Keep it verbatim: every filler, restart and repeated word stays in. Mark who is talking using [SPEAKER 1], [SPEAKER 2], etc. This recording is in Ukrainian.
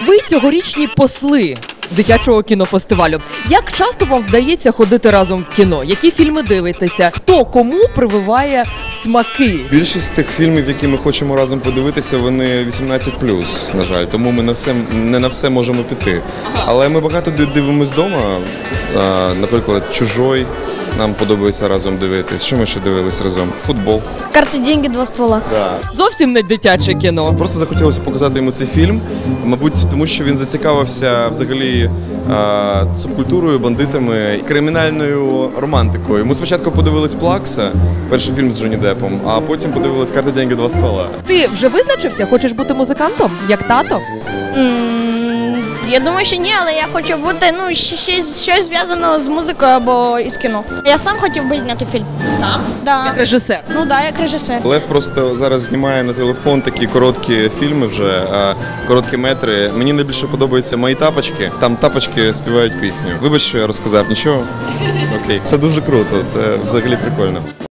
[SPEAKER 1] Ви цьогорічні посли дитячого кінофестивалю. Як часто вам вдається ходити разом в кіно? Які фільми дивитеся? Хто кому прививає смаки?
[SPEAKER 2] Більшість тих фільмів, які ми хочемо разом подивитися, вони вісімнадцять плюс, на жаль. Тому ми на все, не на все можемо піти. Але ми багато дивимось вдома. Наприклад, «Чужой» нам подобається разом дивитись. Що ми ще дивились разом? Футбол.
[SPEAKER 3] «Карти, деньги, два ствола».
[SPEAKER 2] Да.
[SPEAKER 1] Зовсім не дитяче кіно.
[SPEAKER 2] Просто захотілося показати йому цей фільм, мабуть, тому що він зацікавився взагалі а, субкультурою, бандитами, кримінальною романтикою. Ми спочатку подивились «Плакса», перший фільм з Джонні Деппом, а потім подивились «Карти, деньги, два ствола».
[SPEAKER 1] Ти вже визначився? Хочеш бути музикантом? Як тато?
[SPEAKER 3] М, Я думаю, що ні, але я хочу бути, ну, щось, щось зв'язано з музикою або із кіно. Я сам хотів би зняти фільм.
[SPEAKER 1] Сам?
[SPEAKER 3] Да.
[SPEAKER 1] Як режисер?
[SPEAKER 3] Ну так, да, як режисер.
[SPEAKER 2] Лев просто зараз знімає на телефон такі короткі фільми вже, а, короткі метри. Мені найбільше подобаються «Мої тапочки». Там тапочки співають пісню. Вибач, що я розказав, нічого? Окей. Це дуже круто, це взагалі прикольно.